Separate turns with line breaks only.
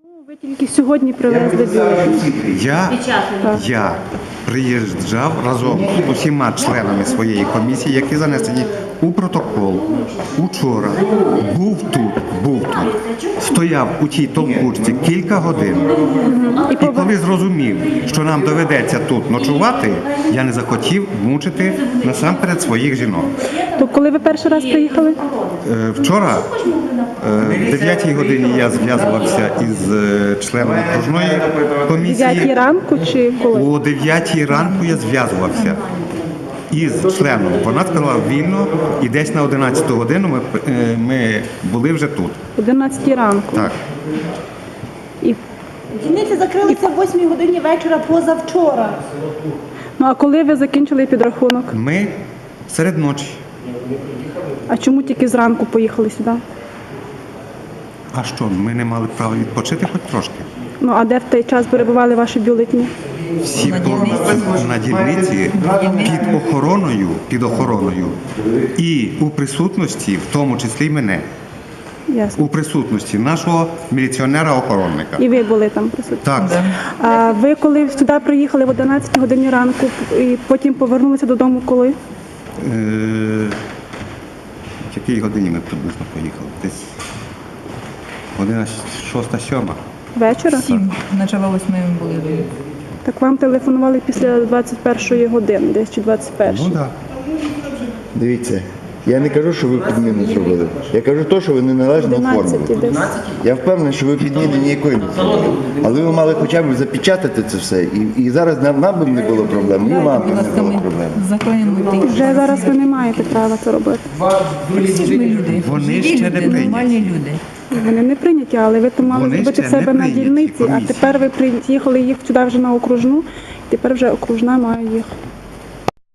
Ви тільки сьогодні привезли бюлетень.
Я приїжджав разом з усіма членами своєї комісії, які занесені у протокол. Учора був тут, стояв у тій толкучці кілька годин. І коли зрозумів, що нам доведеться тут ночувати, я не захотів мучити насамперед своїх жінок.
То коли ви перший раз приїхали?
Вчора в 9 годині я зв'язувався із членом окружної
О
комісії.
9 ранку чи коли?
О 9 ранку я зв'язувався із членом. Вона сказала вільно, і десь на 11 годину ми були вже тут.
О 11 ранку.
Так.
І,
Дільниці закрилися о 8 годині вечора позавчора.
ну а коли ви закінчили підрахунок?
Ми серед ночі.
А чому тільки зранку поїхали сюди?
А що, ми не мали права відпочити хоч трошки?
Ну а де в той час перебували ваші бюлетені?
Всі на дільниці під охороною і у присутності, в тому числі й мене,
Ясно.
у присутності нашого міліціонера-охоронника.
І ви були там присутні?
Так.
А ви коли сюди приїхали в 11 годині ранку і потім повернулися додому коли?
В якій годині ми приблизно поїхали? Десь година 6-7.
Вечора?
7, начало 8 були.
Так вам телефонували після 21 години, десь чи 21.
Ну так.
Дивіться, я не кажу, що ви підміну зробили. Я кажу те, що ви неналежно
11
оформили.
десь.
Я впевнений, що ви підміни ніякої не зробили. Але ви мали хоча б запечатати це все. І зараз нам би не було проблем, і вам би не було проблем.
Закроємо йти.
Вже зараз ви не маєте права це робити.
Всі ж ми люди.
Вони
Живі
ще не
люди,
прийняті.
нормальні люди.
Вони не прийняті, але ви то мали
Вони
зробити
ще
в себе
не
на
прийняті,
дільниці, а
комісія.
тепер ви приїхали їх сюди вже на окружну, і тепер вже окружна має їх